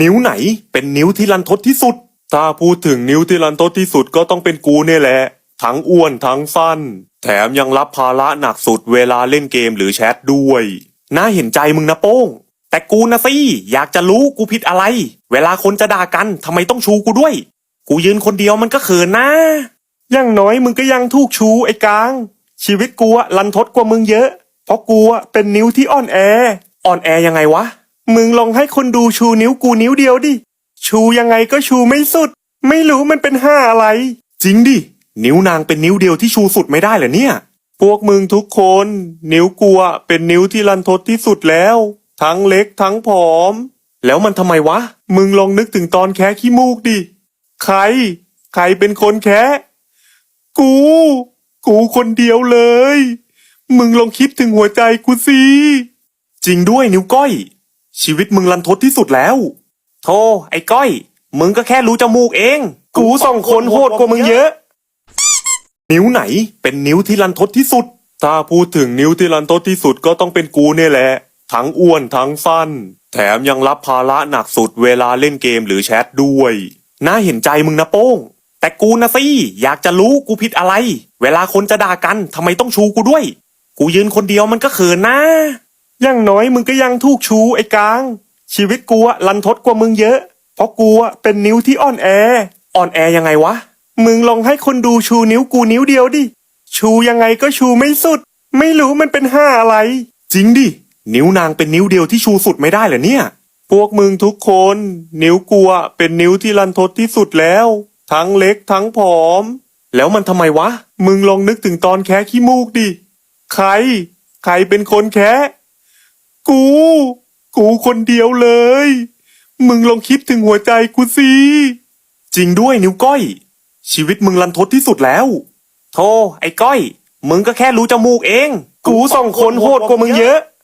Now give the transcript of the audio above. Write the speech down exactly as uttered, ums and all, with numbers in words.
นิ้วไหนเป็นนิ้วที่รันทดที่สุดถ้าพูดถึงนิ้วที่รันทดที่สุดก็ต้องเป็นกูเนี่ยแหละทั้งอ้วนทั้งสั้นแถมยังรับภาระหนักสุดเวลาเล่นเกมหรือแชทด้วยน่าเห็นใจมึงนะโป้งแต่กูนะสิอยากจะรู้กูผิดอะไรเวลาคนจะด่ากันทำไมต้องชูกูด้วยกูยืนคนเดียวมันก็เขินนะอย่างน้อยมึงก็ยังถูกชูไอ้กลางชีวิตกูอะรันทดกว่ามึงเยอะเพราะกูอะเป็นนิ้วที่อ่อนแออ่อนแอยังไงวะมึงลองให้คนดูชูนิ้วกูนิ้วเดียวดิชูยังไงก็ชูไม่สุดไม่รู้มันเป็นห้าอะไรจริงดินิ้วนางเป็นนิ้วเดียวที่ชูสุดไม่ได้เหรอเนี่ยพวกมึงทุกคนนิ้วกูอะเป็นนิ้วที่รันทดที่สุดแล้วทั้งเล็กทั้งผอมแล้วมันทำไมวะมึงลองนึกถึงตอนแคะขี้มูกดิใครใครเป็นคนแคะกูกูคนเดียวเลยมึงลองคิดถึงหัวใจกูสิจริงด้วยนิ้วก้อยชีวิตมึงรันทดที่สุดแล้วโธ่ไอ้ก้อยมึงก็แค่รู้จมูกเองกูสองคนโหดกว่ามึงเยอะนิ้วไหนเป็นนิ้วที่รันทดที่สุดถ้าพูดถึงนิ้วที่รันทดที่สุดก็ต้องเป็นกูเนี่ยแหละทั้งอ้วนทั้งสั้นแถมยังรับภาระหนักสุดเวลาเล่นเกมหรือแชทด้วยน่าเห็นใจมึงนะโป้งแต่กูนะสิอยากจะรู้กูผิดอะไรเวลาคนจะด่ากันทำไมต้องชูกูด้วยกูยืนคนเดียวมันก็เขินนะอย่างน้อยมึงก็ยังถูกชูไอ้กลางชีวิตกูอะรันทดกว่ามึงเยอะเพราะกูอะเป็นนิ้วที่อ่อนแออ่อนแอยังไงวะมึงลองให้คนดูชูนิ้วกูนิ้วเดียวดิชูยังไงก็ชูไม่สุดไม่รู้มันเป็นห้าอะไรจริงดินิ้วนางเป็นนิ้วเดียวที่ชูสุดไม่ได้เหรอเนี่ยพวกมึงทุกคนนิ้วกูอะเป็นนิ้วที่รันทดที่สุดแล้วทั้งเล็กทั้งผอมแล้วมันทำไมวะมึงลองนึกถึงตอนแคะขี้มูกดิใครใครเป็นคนแคะกูกูคนเดียวเลยมึงลองคิดถึงหัวใจกูสิจริงด้วยนิ้วก้อยชีวิตมึงรันทดที่สุดแล้วโธ่ไอ้ก้อยมึงก็แค่รู้จมูกเองกูสองคนโหดกว่ามึงเยอะ